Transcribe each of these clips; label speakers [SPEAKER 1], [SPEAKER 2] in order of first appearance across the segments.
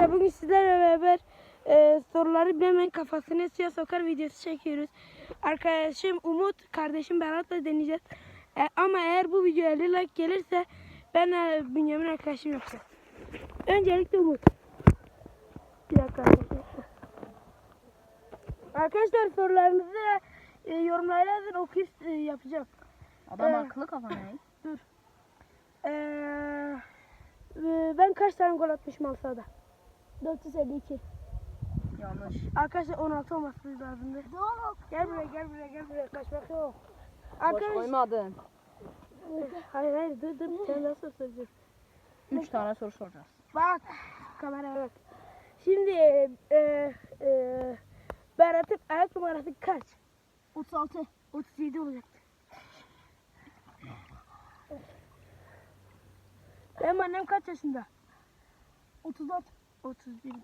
[SPEAKER 1] Arkadaşlar bugün sizlerle beraber soruları bilemeyen kafasını suya sokar videosu çekiyoruz. Arkadaşım Umut, kardeşim Berat'la deneyeceğiz. Ama eğer bu video 50 like gelirse ben Bünyamin arkadaşım yapacağım. Öncelikle Umut. Bir dakika arkadaşlar. Arkadaşlar sorularınızı yorumlara yazın, okuyup yapacağım.
[SPEAKER 2] Adam akıllı kafa ne?
[SPEAKER 1] Dur. Ben kaç tane gol atmışım Alsa'da? 452.
[SPEAKER 2] Yanlış.
[SPEAKER 1] Arkadaşlar 16 olması lazımdı. Gel buraya. Kaçmak yok.
[SPEAKER 2] Boş koymadın.
[SPEAKER 1] Hayır dur. Sen nasıl soracağız?
[SPEAKER 2] 3 tane soru soracağız.
[SPEAKER 1] Bak. Kameraya bak. Şimdi Berat'ın ayak numarası kaç?
[SPEAKER 3] 36.
[SPEAKER 1] 37 olacaktı. Benim annem kaç yaşında?
[SPEAKER 3] 34.
[SPEAKER 1] 31'di.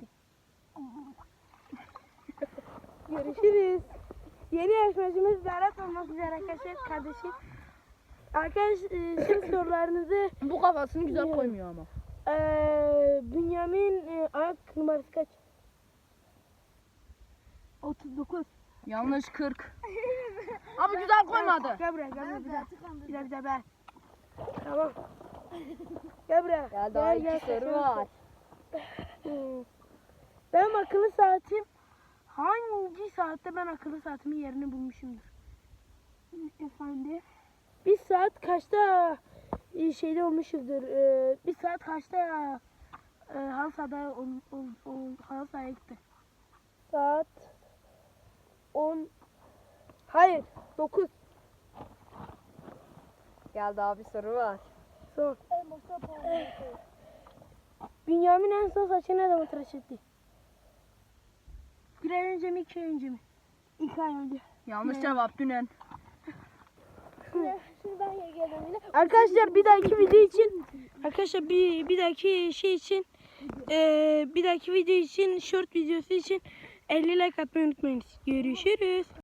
[SPEAKER 1] Görüşürüz. Yeni yarışmacımız Berat olmak üzere arkadaşlar, kardeşim. Şimdi sorularınızı
[SPEAKER 2] Bu kafasını güzel koymuyor ama.
[SPEAKER 1] Bünyamin ayak numarası kaç?
[SPEAKER 3] 39.
[SPEAKER 2] Yanlış 40. Abi güzel koymadı.
[SPEAKER 1] Gel buraya bir daha ben. Tamam. Gel buraya.
[SPEAKER 2] Ya daha 2 soru var.
[SPEAKER 1] Benim akıllı saatim hangi saatte ben akıllı saatimin yerini bulmuşumdur?
[SPEAKER 3] Efendim.
[SPEAKER 1] Bir saat kaçta şeyde olmuşuzdur? Bir saat kaçta halı sahaya gitti? Saat 10. Hayır, 9.
[SPEAKER 2] Gel daha bir soru var.
[SPEAKER 1] Son. Bünyamin en son saçını ne zaman tıraş etti? Bir ay önce mi, 2 ay önce mi?
[SPEAKER 3] 2 ay önce.
[SPEAKER 2] Yanlış cevap dünen.
[SPEAKER 3] Şimdi ben geldim yine.
[SPEAKER 1] Arkadaşlar bir dahaki video için bir dahaki şey için bir dahaki video için short videosu için 50 like atmayı unutmayınız. Görüşürüz.